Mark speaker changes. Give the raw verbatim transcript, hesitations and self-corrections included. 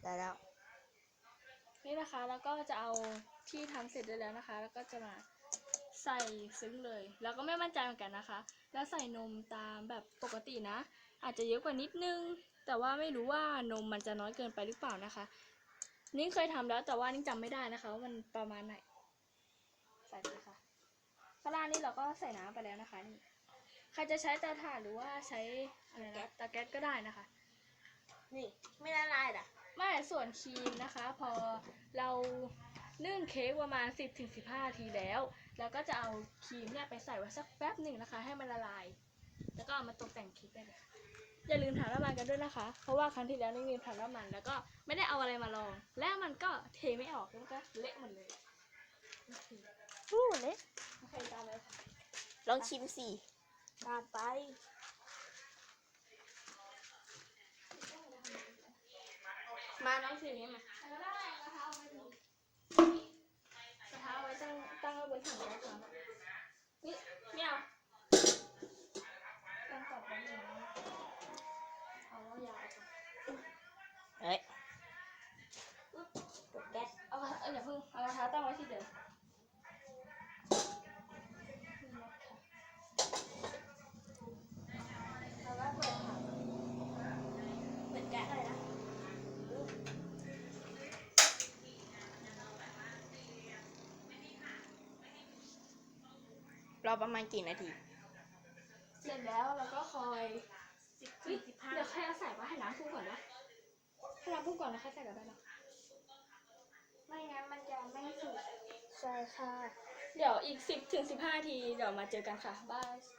Speaker 1: ได้แล้ว
Speaker 2: นี่นะคะแล้วก็จะเอาที่ทำเสร็จได้แล้วนะคะ แล้วก็จะมาใส่ซึ้งเลยแล้วก็ไม่มั่นใจเหมือนกันนะคะแล้วใส่นมตามแบบปกตินะอาจจะเยอะกว่านิดนึงแต่ว่าไม่รู้ว่านมมันจะน้อยเกินไปหรือเปล่านะคะนี่เคยทำแล้วแต่ว่านี่จำไม่ได้นะคะว่ามันประมาณไหนใส่เลยค่ะข้างล่างนี่เราก็ใส่น้ำไปแล้วนะคะนี่ใครจะใช้เตาถ่านหรือว่าใช้อะไรนะเตาแก๊สก็ได้นะคะ
Speaker 1: นี่ไม่ละลายอ่ะ
Speaker 2: ไม่ส่วนครีมนะคะ พอเรานึ่งเค้กประมาณ สิบถึงสิบห้า นาทีแล้วเราก็จะเอาครีมเนี่ยไปใส่ไว้สักแป๊บหนึ่งนะคะ ให้มันละลายแล้วก็เอามาตกแต่งเค้กได้เลยอย่าลืมถามน้ำมันกันด้วยนะคะเพราะว่าครั้งที่แล้วนี่ลืมถามน้ำมันแล้วก็ไม่ได้เอาอะไรมาลองแล้วมันก็เทไม่ออกแล้วก็เละหมดเลย
Speaker 1: อู้เละ
Speaker 2: โอเคตามเลยค่ะ
Speaker 1: ลองชิมสิตามไปมาน้องชิมนี้มาก
Speaker 2: ระทะกระทะเอาไว้ดูกระทะเอาไว้ตั้งตั้งไว้บนถังแก๊สก่อนนี่ไม่เอาตั้งก่อนแป๊บนึงนะเอาว่ายาวก่อน
Speaker 1: เฮ้ยกดแก๊ส
Speaker 2: เอาเอาอย่าเพิ่งเอากระทะตั้งไว้ที่เดิมแล้วก็เปิดถัง
Speaker 1: เปิดแก๊สเลยนะรอประมาณกี่นาที
Speaker 2: เสร็จแล้วเราก็คอยสิบถึงสิบห้าเดี๋ยวใครเอาใส่ว่าให้น้ำพุ่งก่อนนะให้น้ำพุ่งก่อนแล้วค่อยใส่กันได้นะไม่งั้นมันจะไม่สุก
Speaker 1: ใช่ค่ะ
Speaker 2: เดี๋ยวอีกสิบถึงสิบห้านาทีเดี๋ยวมาเจอกันค่ะบาย